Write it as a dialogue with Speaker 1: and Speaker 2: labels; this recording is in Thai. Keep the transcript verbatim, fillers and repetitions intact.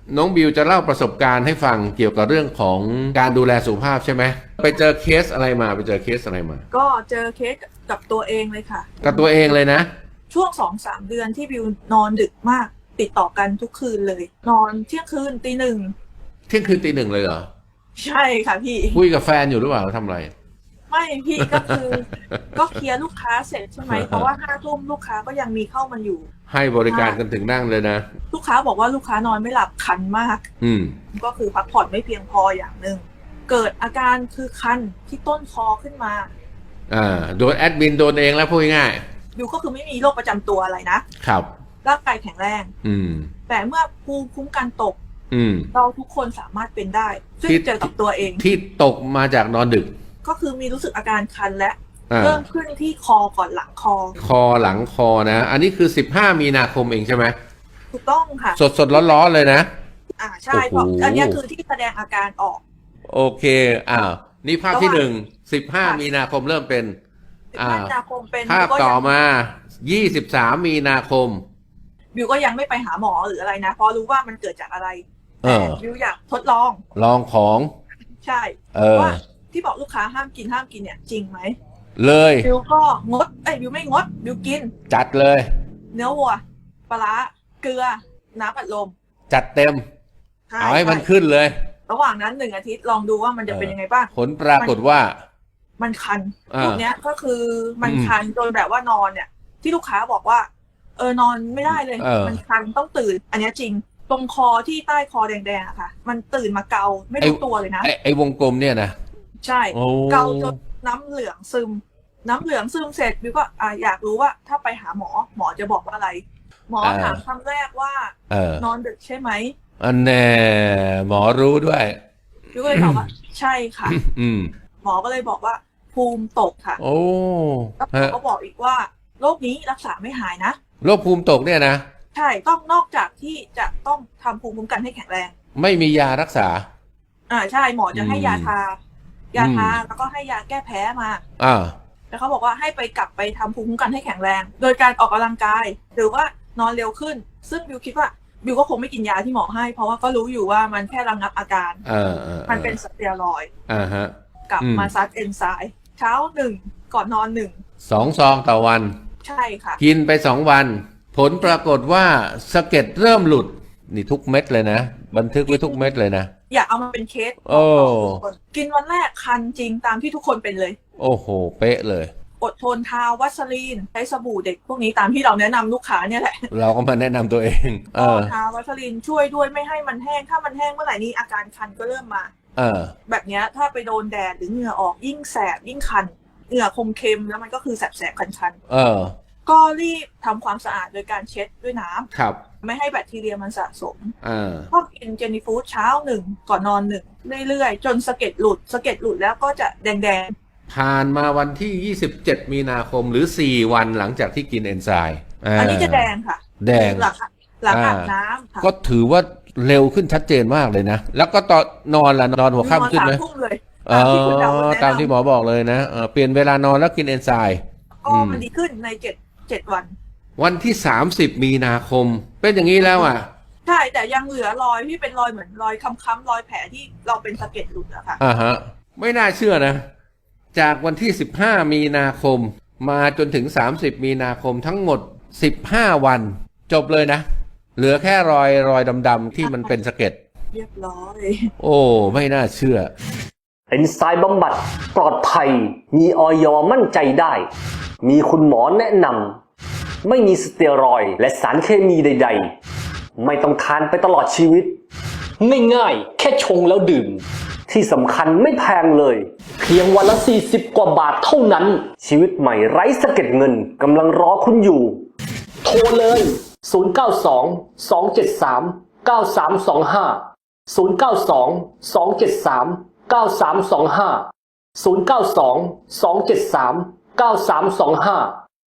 Speaker 1: น้องบิวจะเล่าประสบการณ์ให้ฟังเกี่ยวกับเรื่องของการดูแลสุขภาพใช่ไหมไปเจอเคสอะไรมาไปเจอเคสอะไรมา
Speaker 2: ก็เจอเคสกับตัวเองเลยค่ะ
Speaker 1: กับตัวเองเลยนะ
Speaker 2: ช่วงสองสามเดือนที่บิวนอนดึกมากติดต่อกันทุกคืนเลยนอนเที่ยงคืนตีหนึ่ง
Speaker 1: เที่ยงคืนตีหนึ่งเลยเหรอ
Speaker 2: ใช่ค่ะพี่
Speaker 1: คุยกับแฟนอยู่หรือเปล่าทำอะไร
Speaker 2: ไม่พี่ก็คือก็เคลียร์ลูกค้าเสร็จใช่ไหมเพราะว่าห้าทุ่มลูกค้าก็ยังมีเข้ามาอยู่
Speaker 1: ให้บริการกันถึงนั่งเลยนะ
Speaker 2: ลูกค้าบอกว่าลูกค้านอนไม่หลับคันมาก
Speaker 1: อืม
Speaker 2: ก็คือพักผ่อนไม่เพียงพออย่างหนึ่งเกิดอาการคือคันที่ต้นคอขึ้นมา
Speaker 1: อ่าโดนแอดมินโดนเองแล้วพูดง่าย
Speaker 2: บิวก็คือไม่มีโรคประจำตัวอะไรนะครับร่างกายแข็งแรง
Speaker 1: อืม
Speaker 2: แต่เมื่อภูมิคุ้มกันตก
Speaker 1: อืม
Speaker 2: เราทุกคนสามารถเป็นได้ซึ่งเจอกับตัวเอง
Speaker 1: ที่ตกมาจากนอนดึก
Speaker 2: ก็คือมีรู้สึกอาการคันและเริ่มขึ้นที่คอก่อนหลังคอ
Speaker 1: คอหลังคอนะอันนี้คือสิบห้ามีนาคมเองใช่ไหม
Speaker 2: ถูกต้องค่ะ
Speaker 1: สดสดร้อนๆเลยนะ
Speaker 2: อ่าใช่เพราะอันนี้คือที่แสดงอาการออก
Speaker 1: โอเคอ้าวนี่ภาพที่หนึ่งสิบห้ามีนาคมเริ่มเป็น
Speaker 2: อ่ามีนาคมเป็น
Speaker 1: ภาพต่อมายี่สิบสามมีนาคม
Speaker 2: บิวก็ยังไม่ไปหาหมอหรืออะไรนะเพราะรู้ว่ามันเกิดจากอะไรแต่บิวอยากทดลอง
Speaker 1: ลองของ
Speaker 2: ใช่ว่าที่บอกลูกค้าห้ามกินห้ามกินเนี่ยจริงไหม
Speaker 1: เลย
Speaker 2: บิวก็งดเอ้ยบิวไม่งดบิวกิน
Speaker 1: จัดเลย
Speaker 2: เนื้อวัวปลาร้าเกลือน้ำอัดลม
Speaker 1: จัดเต็มเอาให้มันขึ้นเลย
Speaker 2: ระหว่างนั้นหนึ่งอาทิตย์ลองดูว่ามันจะเป็นยังไงบ้าง
Speaker 1: ผลปรากฏว่า
Speaker 2: มันคันพวกเนี้ยก็คือมันคันจนแบบว่านอนเนี่ยที่ลูกค้าบอกว่าเออนอนไม่ได้เลยมันคันต้องตื่นอันนี้จริงตรงคอที่ใต้คอแดงๆอะค่ะมันตื่นมาเกาไม่รู้ตัวเลยนะ
Speaker 1: ไอ้ไอ้วงกลมเนี่ยนะ
Speaker 2: ใช่เกาจนน้ำเหลืองซึมน้ำเหลืองซึมเสร็จบิวก็อ่าอยากรู้ว่าถ้าไปหาหมอหมอจะบอกว่าอะไรหมอถามคำแรกว่านอนดึกใช่ไหม
Speaker 1: อันแน่หมอรู้ด้วย
Speaker 2: บิวก็เลยตอบว่าใช่ค่ะ
Speaker 1: อืม
Speaker 2: หมอก็เลยบอกว่าภูมิตกค่ะ
Speaker 1: โอ้
Speaker 2: แล้วหมอก็บอกอีกว่าโรคนี้รักษาไม่หายนะ
Speaker 1: โรคภูมิตกเนี่ยนะ
Speaker 2: ใช่ต้องนอกจากที่จะต้องทำภูมิคุ้มกันให้แข็งแรง
Speaker 1: ไม่มียารักษา
Speaker 2: อ่าใช่หมอจะให้ยาทายาทาแล้วก็ให้ยาแก้แพ้มา
Speaker 1: อ่า
Speaker 2: แล้วเขาบอกว่าให้ไปกลับไปทำภูมิคุ้มกันให้แข็งแรงโดยการออกกำลังกายหรือว่านอนเร็วขึ้นซึ่งบิวคิดว่าบิวก็คงไม่กินยาที่หมอให้เพราะว่าก็รู้อยู่ว่ามันแค่ระงับอาการ
Speaker 1: เออ
Speaker 2: มันเป็นสเตียรอยด์
Speaker 1: อ่าฮะ
Speaker 2: กลับมาซัดเอนไซม์เช้าหนึ่งก่อนนอนหนึ่ง
Speaker 1: สองซองต่อวัน
Speaker 2: ใช่ค่ะ
Speaker 1: กินไปสองวันผลปรากฏว่าสะเก็ดเริ่มหลุดนี่ทุกเม็ดเลยนะบันทึกไว้ทุกเม็ดเลยนะ
Speaker 2: อยากเอามาเป็นเคส
Speaker 1: โอ้
Speaker 2: กินวันแรกคันจริงตามที่ทุกคนเป็นเลย
Speaker 1: โอ้โหเป๊ะเลย
Speaker 2: อดทนทาวัสลีนใช้สบู่เด็กพวกนี้ตามที่เราแนะนำลูกค้าเนี่ยแหละ
Speaker 1: เราก็มาแนะนำตัวเอง
Speaker 2: เออทาวัสลีนช่วยด้วยไม่ให้มันแห้งถ้ามันแห้งเมื่อไหร่นี้อาการคันก็เริ่มมา
Speaker 1: เออ
Speaker 2: แบบนี้ถ้าไปโดนแดดหรือเหงื่อออกยิ่งแสบยิ่งคันเหงื่อคมเค็มแล้วมันก็คือแสบแสบคันคัน
Speaker 1: เออ
Speaker 2: ก็รีบทำความสะอาดโดยการเช็ดด้วยน้ำ
Speaker 1: ครับ
Speaker 2: ไม่ให้แบคทีเรียมันสะสม
Speaker 1: อ่า
Speaker 2: ก็กินเจนี่ฟู้ดเช้าหนึ่งก่อนนอนหนึ่งเรื่อยๆจนสะเก็ดหลุดสะเก็ดหลุดแล้วก็จะแดง
Speaker 1: ๆผ่านมาวันที่ยี่สิบเจ็ดมีนาคมหรือสี่วันหลังจากที่กินเอนไซม์
Speaker 2: อันนี้จะแดงค่ะ
Speaker 1: แดง
Speaker 2: หลังหลังอาบน้ำค่ะ
Speaker 1: ก็ถือว่าเร็วขึ้นชัดเจนมากเลยนะแล้วก็ตอนนอนล่ะนอนหัวค่ำขึ้นไหม
Speaker 2: ตามที่คุณเดา
Speaker 1: ตามที่หมอบอกเลยนะเปลี่ยนเวลานอนแล้วกินเอนไซม์
Speaker 2: ก็มันดีขึ้นในเจ็ดเจ็ดวัน
Speaker 1: วันที่สามสิบมีนาคมเป็นอย่างนี้แล้วอ่ะ
Speaker 2: ใช่แต่ยังเหลือรอยที่เป็นรอยเหมือนรอยค้ำๆรอยแผลที่เราเป็นสะเก็ดหลุดอะค่ะ
Speaker 1: อ่าฮะไม่น่าเชื่อนะจากวันที่สิบห้ามีนาคมมาจนถึงสามสิบมีนาคมทั้งหมดสิบห้าวันจบเลยนะเหลือแค่รอยรอยดำๆที่มันเป็นสะเก็ด
Speaker 2: เรียบร้อย
Speaker 1: โอ้ไม่น่าเชื่อ
Speaker 3: เอนไซม์บำบัดปลอดภัยมีอย.มั่นใจได้มีคุณหมอแนะนำไม่มีสเตียรอยด์และสารเคมีใดๆไม่ต้องทานไปตลอดชีวิตง่ายๆแค่ชงแล้วดื่มที่สำคัญไม่แพงเลยเพียงวันละสี่สิบกว่าบาทเท่านั้นชีวิตใหม่ไร้สะเก็ดเงินกำลังรอคุณอยู่โทรเลยศูนย์ เก้า สอง สอง เจ็ด สาม เก้า สาม สอง ห้า ศูนย์ เก้า สอง สอง เจ็ด สาม เก้า สาม สอง ห้า ศูนย์ เก้า สอง สอง เจ็ด สาม เก้า สาม สอง ห้า